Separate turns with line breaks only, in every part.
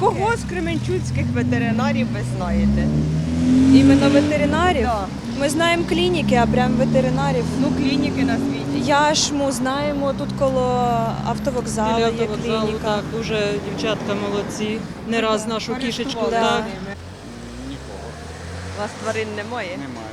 Кого з кременчуцьких ветеринарів ви знаєте?
Іменно ветеринарів?
Да.
Ми знаємо клініки, а прям ветеринарів.
Ну, клініки назвіть.
Яшму знаємо, тут коло автовокзалу
Біля
є
автовокзалу,
клініка.
так, дуже дівчатка молодці. Не раз нашу кішечку.
Користувалися
Так.
ними.
Нікого
У вас тварин немає?
немає.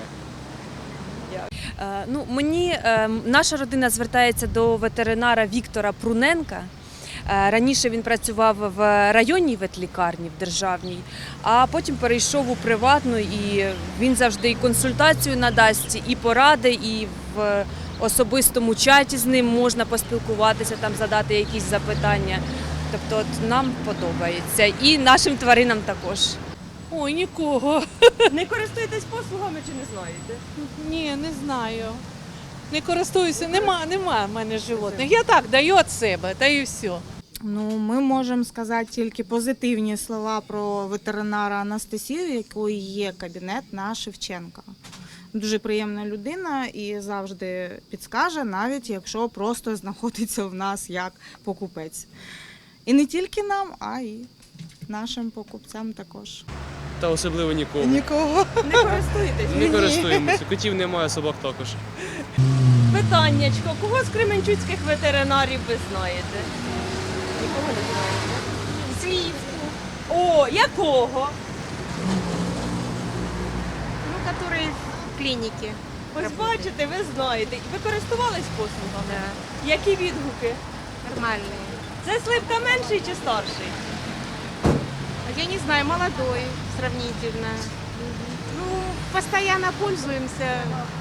Наша родина звертається до ветеринара Віктора Пруненка. Раніше він працював в районній ветлікарні, в державній, а потім перейшов у приватну, і він завжди і консультацію надасть, і поради, і в особистому чаті з ним можна поспілкуватися, там задати якісь запитання. Тобто от нам подобається, і нашим тваринам також.
Ой, нікого.
Не користуєтесь послугами чи не знаєте?
Ні, не знаю. Не користуюся, нема в мене животних. Я так даю від себе, та і все.
Ну, ми можемо сказати тільки позитивні слова про ветеринара Анастасію, якої є кабінет на Шевченка. Дуже приємна людина і завжди підскаже, навіть якщо просто знаходиться в нас як покупець. І не тільки нам, а й нашим покупцям також.
Та особливо нікого.
Нікого.
Не користуєтесь?
Не користуємося. Котів немає, собак також.
Питаннячко, кого з кременчуцьких ветеринарів ви знаєте? Нікого не знаєте?
Сливку,
О, якого?
ну, который в клинике.
Ось бачите, ви знаєте. Ви користувались послугами?
Да,
Які відгуки?
нормальные.
Це сливка менший чи старший?
А я не знаю, молодой сравнительно. Ну, постоянно пользуемся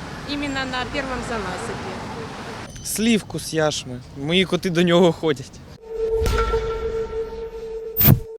именно на первом занасыпе.
Слівку з яшми. Мої коти до нього ходять.